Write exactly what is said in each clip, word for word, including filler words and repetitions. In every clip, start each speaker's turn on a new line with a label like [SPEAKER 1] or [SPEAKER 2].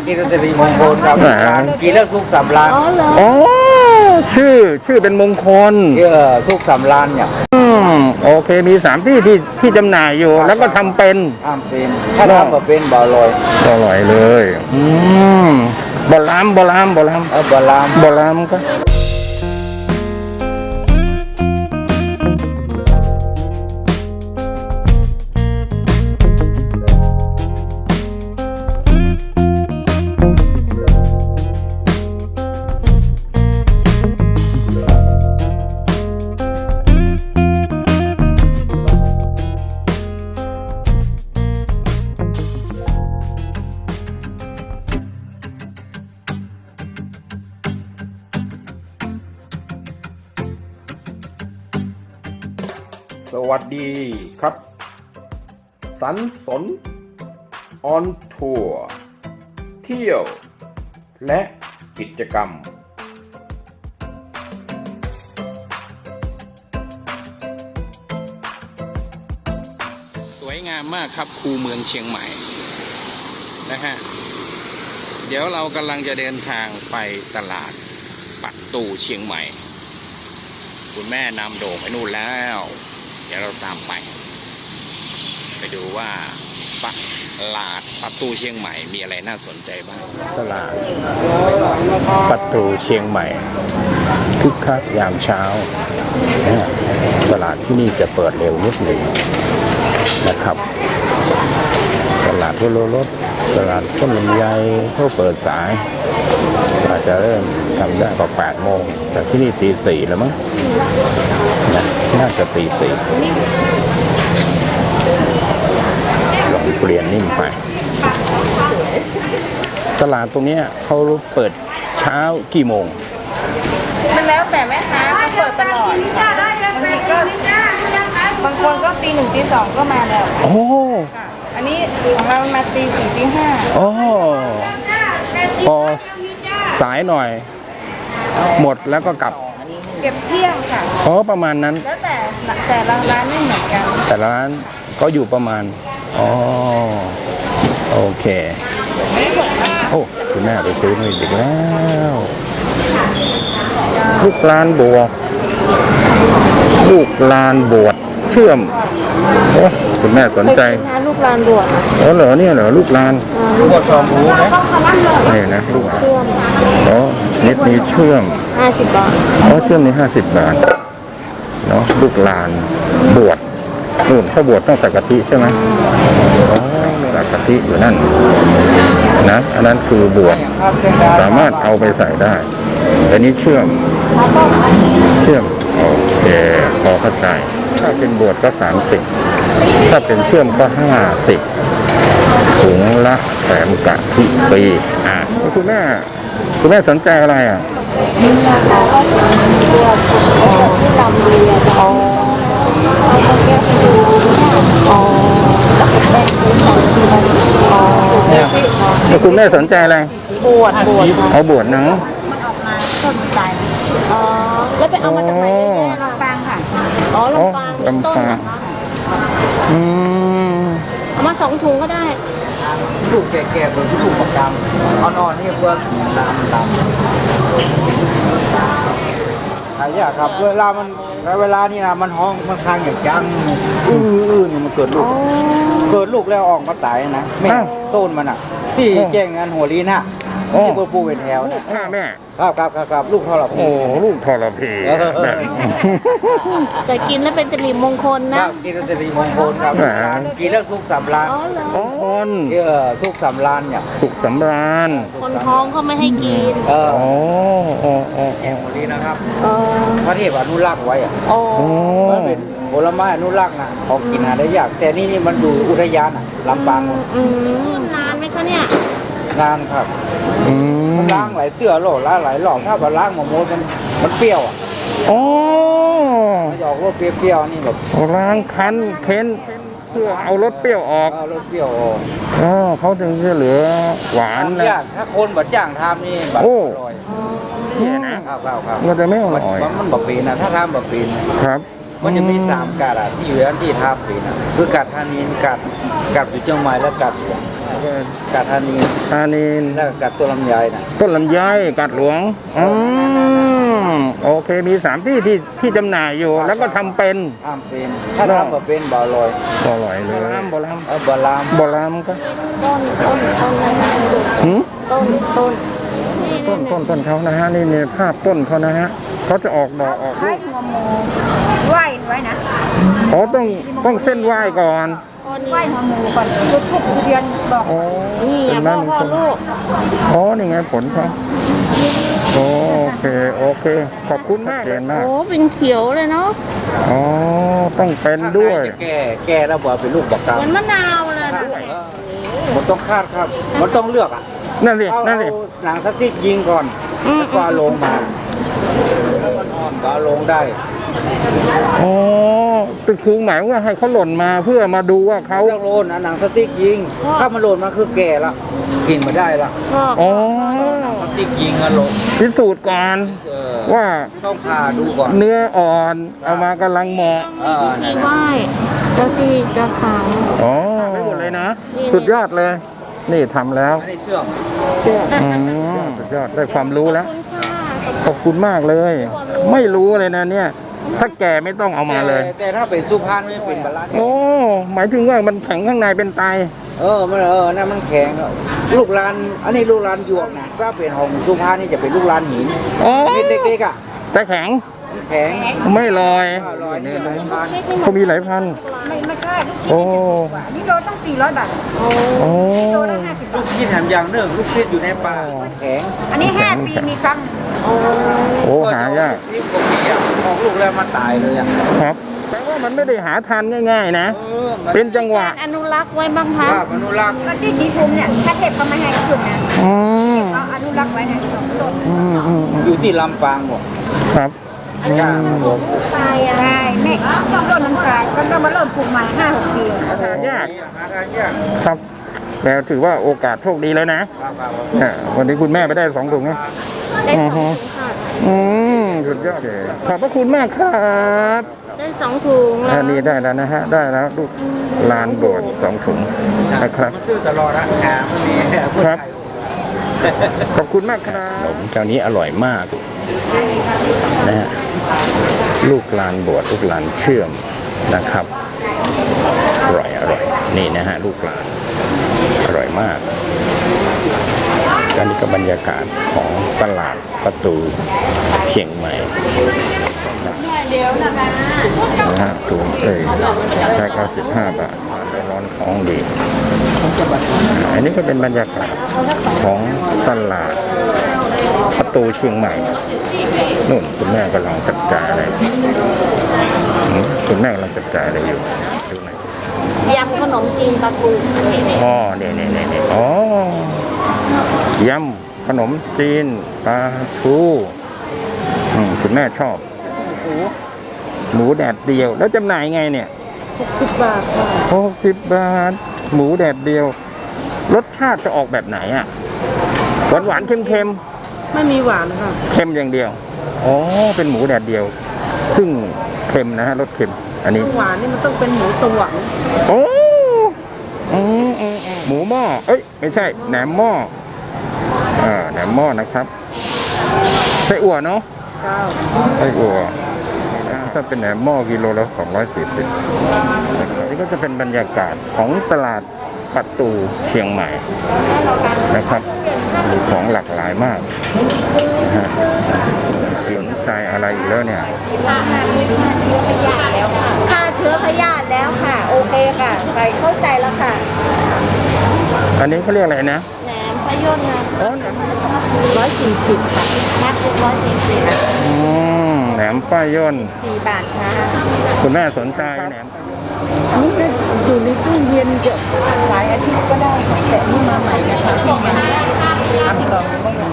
[SPEAKER 1] กินสิริมงคลครับกินแล้วสุขสำราญ
[SPEAKER 2] อ๋อชื่อชื่อเป็นมงคล
[SPEAKER 1] เออสุขสำราญเนี่ย
[SPEAKER 2] อืมโอเคมีสามที่ที่ที่จำหน่ายอยู่แล้วก็ทำเป็น
[SPEAKER 1] ทำเป็นถ้าทำแบบเป็นบ่อลอย
[SPEAKER 2] บ่อลอยเลยอืมบ่อลามบ่อลามบ่อลาม
[SPEAKER 1] เออบ่อลาม
[SPEAKER 2] บ่อลามก็
[SPEAKER 3] สวัสดีครับสันสนออนทัวร์เที่ยวและกิจกรรม
[SPEAKER 2] สวยงามมากครับคูเมืองเชียงใหม่นะฮะเดี๋ยวเรากำลังจะเดินทางไปตลาดปักตูเชียงใหม่คุณแม่นำโด่งไปนู่นแล้วเดี๋ยวเราตามไปไปดูว่าปักตลาดปักตูเชียงใหม่มีอะไรน่าสนใจบ้างตลาดปักตูเชียงใหม่คึกคักยามเช้าตลาดที่นี่จะเปิดเร็วนิดหนึ่งนะครับตลาดทั่วโลรถตลาดต้นลำไยเขาเปิดสายอาจจะเริ่มทำได้ก็แปดโมงแต่ที่นี่ตีสี่แล้วมั้งนะน่าจะตีสี่ลองเปลี่ยนนิ่มไปตลาดตรงนี้เขาเปิดเช้ากี่โมง
[SPEAKER 4] มันแล้วแต่แม่ค้าเขาเปิดตลอดบางทีก็บางคนก็ตีหนึ่งตีสองก็มาแล้ว
[SPEAKER 2] โอ้
[SPEAKER 4] อันนี้ของเรามาตีสี่ตีห้า
[SPEAKER 2] โอ้พอสายหน่อยหมดแล้วก็กลับ
[SPEAKER 4] เก็บเที่ยงค่ะ
[SPEAKER 2] อ๋อประมาณนั้น
[SPEAKER 4] แล้วแต่แต่ละร้านไม่เหมือนกัน
[SPEAKER 2] แต่ละร้านก็อยู่ประมาณอ๋อโอเคโอ้คุณแม่ไปซื้อมาอีกแล้วลูกลานบวกลูกลานบวชเชื่อมโอ้คุณแม่สนใจ
[SPEAKER 4] ลูกลานบวช
[SPEAKER 2] อ๋อเหรอเนี่ยเหรอลูกลาน
[SPEAKER 1] บวชชอมรู้นะ
[SPEAKER 2] นี่นะลูกอ๋อนิดนี้เชื่อม
[SPEAKER 4] ห้าสิบบาท
[SPEAKER 2] อ๋อเชื่อมนี้ห้าสิบบาทเนาะลูกลานบวชนู่นเขาบวชต้องใส่กะทิใช่ไหมอ๋อใส่กะทิอยู่นั่นนะอันนั้นคือบวชสามารถเอาไปใส่ได้แต่นี้เชื่อมเชื่อมโอเคพอเข้าใจถ้าเป็นบวชก็สามสิบถ้าเป็นเชื่อมก็ห้าสิบถุงละแถมกะทิฟรีอ่ะคุณแม่คุณแม่สนใจอะไรอ่ะ
[SPEAKER 4] ที่ลำเรียอ๋ออ๋อ
[SPEAKER 2] แล้วคุณแม่สนใจอะไร
[SPEAKER 4] บวชบวช
[SPEAKER 2] เอาบวชนะ
[SPEAKER 4] มันออกมาต้นใจอ๋อแล้วไปเอามาจากไหนเนี่ยลำปางค่ะอ๋อลำปาง
[SPEAKER 2] ลำปางอืม
[SPEAKER 4] เอามาสองถุงก็ได้
[SPEAKER 1] ลูกแก่ๆเหมือนลูกประจำอ่อนๆนี่เพื่อน้ำดำหายากครับเวลามันเวลานี่นะมันห้องมันคางอย่างจังอื้อๆนี่มันเกิดลูกเกิดลูกแล้วออกมาตายนะแม่ต้นมันอ่ะที่แจ้งงานหัวลีนฮะที่เบอร์ปูเป็นแถวนะ
[SPEAKER 2] แม่
[SPEAKER 1] ครับครับครับลูกทรพี
[SPEAKER 2] โอ้ลูกทรพีแบบ
[SPEAKER 4] แต่กินแล้วเป็นสิริมงคลนะ
[SPEAKER 1] กินแล้วสิริมงคลครับกินแล้วสุขสำราญ
[SPEAKER 2] อ๋อคน
[SPEAKER 1] เออสุขสำราญเนี่ย
[SPEAKER 2] สุขสำราญ
[SPEAKER 4] คนท้องเขาไม่ให้กิน
[SPEAKER 1] เออ
[SPEAKER 2] อ๋ออ๋ออ๋อ
[SPEAKER 1] แองหัวลีนะครับพระเทพอนุรักษ์ไว้อ่ะ
[SPEAKER 4] โอ้
[SPEAKER 1] มันเป็นผลไม้อนุรักษ์นะของกินหาได้ยากแต่นี่นี่มันดูอุทยานอ่ะลำปาง
[SPEAKER 4] อืมนานไหมคะเนี่ย
[SPEAKER 1] นานครับมันล้างหลายเตื้อโหลล้างหลายหลอกถ้าแบบล้างหมดมันมันเปรี้ยวอ่ะ
[SPEAKER 2] อ๋อ
[SPEAKER 1] มันออกรสเปรี้ยวๆนี่แบบ
[SPEAKER 2] ล้างคั้นเค้นเพื่อเอารสเปรี้ยวออก
[SPEAKER 1] เอารสเปรี้ยวออก
[SPEAKER 2] อ๋อเขาถึงจะเหลือหวานนะ
[SPEAKER 1] ถ้าคนแบบจ้างทำนี่แบบอร่อย
[SPEAKER 2] เนี่ยนะครับ
[SPEAKER 1] ครับครับ
[SPEAKER 2] มันจะไม่อร่อย
[SPEAKER 1] มันแบบปีนะถ้าทำแบบปี
[SPEAKER 2] ครับ
[SPEAKER 1] มันจะมีสามกัดอ่ะที่อยู่อันที่ทาปีนะคือกัดทานีนกัดกัดอยู่เชียงใหม่แล้วกัดกัดธานี
[SPEAKER 3] ธานี
[SPEAKER 1] แล้วก็กัดตัวลำไยนะ
[SPEAKER 3] ต้นลำไยกัดหลวงอืมโอเคมีสามที่ที่ที่จำหน่ายอยู่ แล้วก็ทำเป็น
[SPEAKER 1] ห้ามเป็นถ้าทำแบบเป็นบ่อลอย
[SPEAKER 3] บ่อร่อยเลยบ่อลาม
[SPEAKER 1] เออบ่อลาม
[SPEAKER 3] บ่อลามก็
[SPEAKER 4] ต้นต้นต้นอะไรนะ
[SPEAKER 3] หืม
[SPEAKER 4] ต้นต้น
[SPEAKER 3] ต้นต้นต้นเขานะฮะนี่นี่ภาพต้นเขานะฮะเขาจะออกดอกออก
[SPEAKER 4] คล้ายหัวหมูไหวไว้นะ
[SPEAKER 3] อ๋อต้องต้องเส้นไหว้ก่อน
[SPEAKER 4] ไหวหัวหมูก่อนทุกทุกเดือนบอก
[SPEAKER 3] อ๋อ
[SPEAKER 4] นี่
[SPEAKER 3] เป็
[SPEAKER 4] อ่ะ
[SPEAKER 3] น
[SPEAKER 4] พ่อ
[SPEAKER 3] นั่น
[SPEAKER 4] พ่อลูก
[SPEAKER 3] อ๋อนี่ไงผลเขาโอเคโอเค ขอบคุณมากเจนมาก
[SPEAKER 4] โอ้เป็นเขียวเลยเนาะ
[SPEAKER 3] อ๋อต้องเป็นด้วย
[SPEAKER 1] ข้างในจะแก่แก่แล้วบอกเป็นลูกบักกา
[SPEAKER 4] เหมือนมะนาวเลยดู
[SPEAKER 1] มันต้องคาดครับ มันต้องเลือกอ่ะ
[SPEAKER 3] นั่นสิ
[SPEAKER 1] เอา
[SPEAKER 3] นั่นสิ
[SPEAKER 1] เอาหนังสติ๊กยิงก่อนแล้วก็เอาลงมาแล้วมันอ่อนก็เอาลงได้
[SPEAKER 3] อ๋อเป็นคือหมายว่าให้เขาหล่นมาเพื่อมาดูว่าเขา
[SPEAKER 1] เลือกโลนเอาหนังสติ๊กยิง ถ้ามันหล่นมาคือแก่ละกินมาได้ละ
[SPEAKER 4] พ่อ
[SPEAKER 3] อ๋อ
[SPEAKER 1] สติ๊กยิงอะลง
[SPEAKER 3] พิสูจน์ก่อน
[SPEAKER 1] เออ
[SPEAKER 3] ว่า
[SPEAKER 1] ต้องผ่าดูก่อน
[SPEAKER 3] เนื้ออ่อนเอามากำลังเหมาะ
[SPEAKER 1] เออนั่นแหละ
[SPEAKER 4] ไหวเจ้าที่เจ้าทาง
[SPEAKER 3] อ๋อไม่หมดเลยนะ สุดยอดเลย นี่ทำแล้ว
[SPEAKER 1] อันนี้เชื่อม
[SPEAKER 3] อืมสุดยอดได้ความรู้แล้ว ขอบคุณมากเลย ไม่รู้เลยนะเนี่ย ถ้าแก่ไม่ต้องเอามาเลย
[SPEAKER 1] แต่แต่ถ้าเป็นสุพรรณไม่เป็นบาลานซ์
[SPEAKER 3] โอ้หมายถึงว่ามันแข็งข้างในเป็นไต
[SPEAKER 1] เออมันเออนั่นมันแข็งอะลูกลาน อันนี้ลูกลานหยวกนะถ้าเป็นของสุพรรณนี่จะเป็นลูกลานหิน
[SPEAKER 3] อ๋อ
[SPEAKER 1] เม็ดเล็กๆอ่ะ
[SPEAKER 3] แต่แข็ง
[SPEAKER 1] มันแข็ง
[SPEAKER 3] ไม่ลอย
[SPEAKER 1] อร่อยนี่หลายพัน
[SPEAKER 3] เขามีหลายพัน
[SPEAKER 4] ไม่ไม่ใช่ลูก
[SPEAKER 3] โอ้
[SPEAKER 4] นี่โลต้องสี่ร้อยบาทโอ้
[SPEAKER 3] โอ้
[SPEAKER 4] โลละห้าสิบบา
[SPEAKER 1] ลู
[SPEAKER 4] ท
[SPEAKER 1] กชิ้นแถมอย่างหนึ่งลูกชิ้นอยู่ในป่าแข็ง
[SPEAKER 4] อันนี้ห้าปีมีครั้งโอ้
[SPEAKER 3] โอ้หายาก
[SPEAKER 1] นี่ปกติอ่ะออกลูกแล้วมันตายเลยอ่ะ
[SPEAKER 3] ครับแปลว่ามันไม่ได้หาทานง่าย ๆ นะ
[SPEAKER 1] เออมัน
[SPEAKER 3] เป็นจังหวะ
[SPEAKER 4] อนุรักษ์ไว้บ้างคะ
[SPEAKER 1] ภาพอนุรักษ์
[SPEAKER 4] ก็ที่สีภูมิเนี่ยถ้าเก็บก็ไม่ให้ขึ้นนะ
[SPEAKER 3] อืม
[SPEAKER 4] เขาอนุรักษ์ไว้นะสองต้น
[SPEAKER 3] อืมอืมอืม
[SPEAKER 1] อยู่ที่ลำปางหมด
[SPEAKER 3] ครับอืม
[SPEAKER 4] ตายอ่ะใช่แม่ต้นน้ำตายก็ต้องมาเริ่มปลูกใหม่ห้าหกปี
[SPEAKER 3] หาทานยาก
[SPEAKER 1] หาทานยาก
[SPEAKER 3] ครับแล้วถือว่าโอกาสโชคดีแล้วนะ
[SPEAKER 1] ครับครับ
[SPEAKER 3] เนี่ยวันนี้คุณแม่ไปได้สองถุงนะ
[SPEAKER 4] ได้สองถุงค่ะ
[SPEAKER 3] อืมสุดยอดเลยขอบพระคุณมากครับ
[SPEAKER 4] ได้สองถุงแล้
[SPEAKER 3] อั
[SPEAKER 4] วน
[SPEAKER 3] นี้ได้แล้วนะฮะ ได้แล้วลูกลานโบสถ์สองถุงนะครับ
[SPEAKER 1] มันซื้อตลอดนะหาไม่มีพูด
[SPEAKER 3] ครับ
[SPEAKER 1] ไทย
[SPEAKER 3] ขอบคุณมากครับขนมเจ้านี้อร่อยมากนะฮะลูกลานบวชลูกลานเชื่อมนะครับ อร่อยอร่อยนี่นะฮะลูกลานอร่อยมากอันนี้ก็บรรยากาศของตลาดประตูเชียงใหม่นะฮะถุงเอ้ยแค่เก้าสิบห้าบาททานได้ร้อนท้องดีอันนี้ก็เป็นบรรยากาศของตลาดประตูเชียงใหม่นู่นคุณแม่กำลังจัดการอะไรอืมคุณแม่กำลังจัดการอะไรอยู่ดูหน่อย
[SPEAKER 4] ยำขนมจีนปลาทูนี่นี่
[SPEAKER 3] อ๋อเนี่ยเนี่ยเนี่ยเนี่ยอ๋อยำขนมจีนปลาทูอืมคุณแม่ชอบ หมูแดดเดียว แล้วจำหน่ายไงเนี่ย
[SPEAKER 4] หกสิบบาทค่ะ
[SPEAKER 3] หกสิบบาท หมูแดดเดียว รสชาติจะออกแบบไหนอ่ะ หวานหวานๆเค็มเค็ม
[SPEAKER 4] ไม่มีหวานค่ะ
[SPEAKER 3] ๆเค็มอย่างเดียว อ๋อ เป็นหมูแดดเดียว ซึ่งเค็มนะฮะรสเค็ม อันนี้
[SPEAKER 4] หวานนี่มันต้องเป็นหมูสวรรค์
[SPEAKER 3] โอ้อืมอืมอืมหมูหม้อ เอ้ย ไม่ใช่ แหนมหม้อ อ่า แหนมหม้อนะครับไส้อั่วเนาะ
[SPEAKER 4] เก้า
[SPEAKER 3] ไส้อั่วถ้าเป็นแหนมหม้อกิโลละสองร้อยสี่สิบนี่ก็จะเป็นบรรยากาศของตลาดประตูเชียงใหม่นะครับมีของหลากหลายมากนะฮะสนใจอะไรอีกแล้วเนี่ย
[SPEAKER 4] ฆ่าเชื้อพยาธิแล้วค่ะ โอเคค่ะใส่เข้าใจแล้วค่ะ
[SPEAKER 3] อันนี้เขาเรียกอะไรนะ
[SPEAKER 4] แหนมพะยนต์นะ
[SPEAKER 3] อ๋อแหนม
[SPEAKER 4] ร้อยสี่สิบค่ะแม็กซ์ร้อยสี่สิบ
[SPEAKER 3] อืมแหนมป้ายย่น
[SPEAKER 4] สี่บาทค่ะ
[SPEAKER 3] คุณแม่สนใจแหนม
[SPEAKER 4] อันนี้จะอยู่ในตู้เย็นเกือบหลายอาทิตย์ก็ได้ค่ะแต่นี่มาใหม่นะคะที่มันทำต่อไม่ได้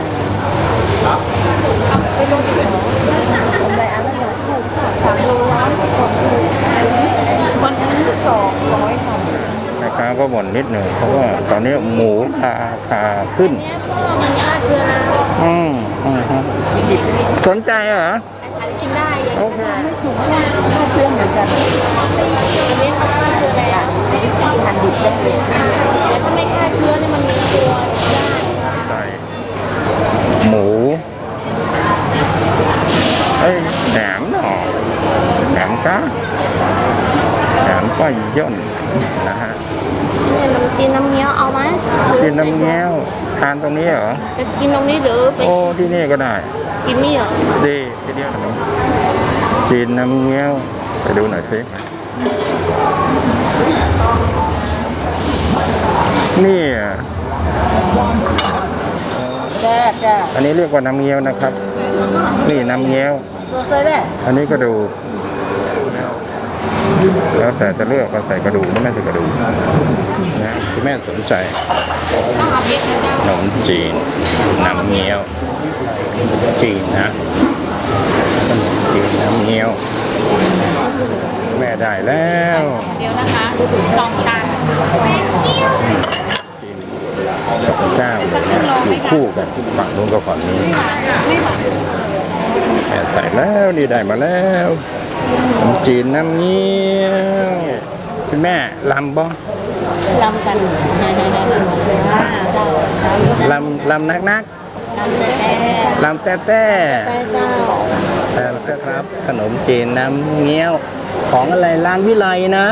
[SPEAKER 4] ไปลงที่กำไรอันละหนึ่งถูกค่ะสามโลร้อยกว่าวันนี้สองร้อยค่ะ
[SPEAKER 3] แม่ค้าก็บ่นนิดหนึ่งเพราะว่าตอนนี้หมูราคาขึ้น
[SPEAKER 4] มันฆ่าเชื้อนะ
[SPEAKER 3] อืมอืมฮึสนใจเหรอ
[SPEAKER 4] ฉันกินได้
[SPEAKER 3] โอเค
[SPEAKER 4] ไม่สูงมากฆ่าเชื้อเหมือนกันอันนี้เขาฆ่าเชื้ออะไรอ่ะหั่นดิบได้เลยถ้าไม่ฆ่าเชื้อเนี่ยมันมีตัวได้
[SPEAKER 3] ใส่หมูเอ้ยแหนมหน่อแหนมก้าแหนมก้อยย่นนะฮะ
[SPEAKER 4] เนี่ยน้ำจีนน้ำเงี้ยวเอาไหม
[SPEAKER 3] กินน้ำเงี้ยวทานตรงนี้เหรอ
[SPEAKER 4] จะกินตรงนี้หรือไป
[SPEAKER 3] โอ้ที่นี่ก็ได้
[SPEAKER 4] กินนี่เหรอ
[SPEAKER 3] ดีทีเดียวขนมจีนน้ำเงี้ยวไปดูหน่อยสินี่อ่ะ
[SPEAKER 4] แจ้แจ้
[SPEAKER 3] อันนี้เรียกว่าน้ำเงี้ยวนะครับ นี่น้ำเงี้ยว
[SPEAKER 4] โรเซ่ได้
[SPEAKER 3] อันนี้กระดูกแล้วแต่จะเลือกว่าใส่กระดูกหรือไม่ใส่กระดูกนะคุณแม่สนใจขนมจีนน้ำเงี้ยวจีนนะขนมจีนน้ำเงี้ยวแม่ได้แล้ว
[SPEAKER 4] เดียวนะคะสองจาน
[SPEAKER 3] จีนสองเจ้าเลยนะอยู่คู่กันฝั่งนู้นกับฝั่งนี้
[SPEAKER 4] ไม่หวาน
[SPEAKER 3] แม่ใส่แล้วนี่ได้มาแล้วขนมจีนน้ำเงี้ยวคุณแม่ลำบ่
[SPEAKER 4] ลำกันเจ้า
[SPEAKER 3] ลำลำนักนัก
[SPEAKER 4] ลำแต่
[SPEAKER 3] ลำแต่แต่
[SPEAKER 4] แต่เจ้า
[SPEAKER 3] แต่ครับ ขนมจีนน้ำเงี้ยวของอะไรร้านวิไลนะ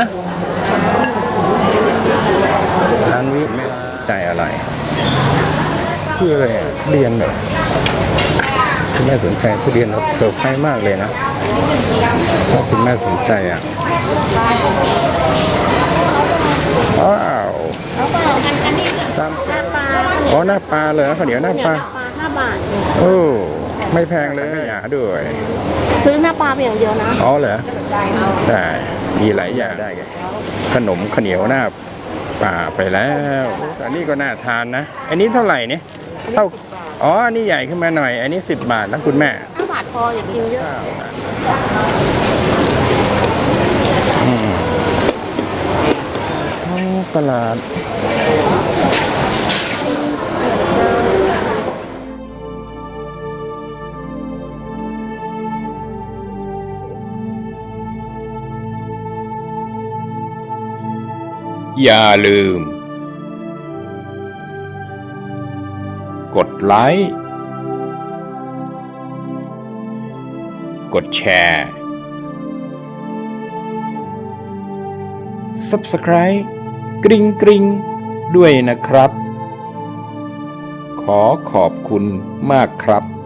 [SPEAKER 3] ร้านวิใจอะไรคืออะไรอ่ะเรียนเหรอคุณแม่สนใจทุเรียนเราเซอร์ไพรส์มากเลยนะถ้าคุณแม่สนใจอ่ะว้าว
[SPEAKER 4] แล้วก็อันอันนี้
[SPEAKER 3] ตาม
[SPEAKER 4] หน้าปลา
[SPEAKER 3] อ๋อหน้าปลาเลยข้าวเหนียวหน้าปลา
[SPEAKER 4] ปลาห้าบาท
[SPEAKER 3] โอ้ไม่แพงเลยไม่หยาด้วย
[SPEAKER 4] ซื้อหน้าปลาเพียงเดียวนะ
[SPEAKER 3] อ๋อเหรอได้มีหลายอย่างได้ไงขนมข้าวเหนียวหน้าป่าไปแล้วอันนี้ก็น่าทานนะ อันนี้เท่าไหร่เนี่ยเท่าอ๋ออันนี้ใหญ่ขึ้นมาหน่อย อันนี้สิบบาทนะคุณแม่
[SPEAKER 4] ห้าบาทพออย่ากินเยอะ
[SPEAKER 3] อืมอ๋อตลาดอย่าลืม กดไลค์ กดแชร์ Subscribe กริ๊งกริ๊งด้วยนะครับ ขอขอบคุณมากครับ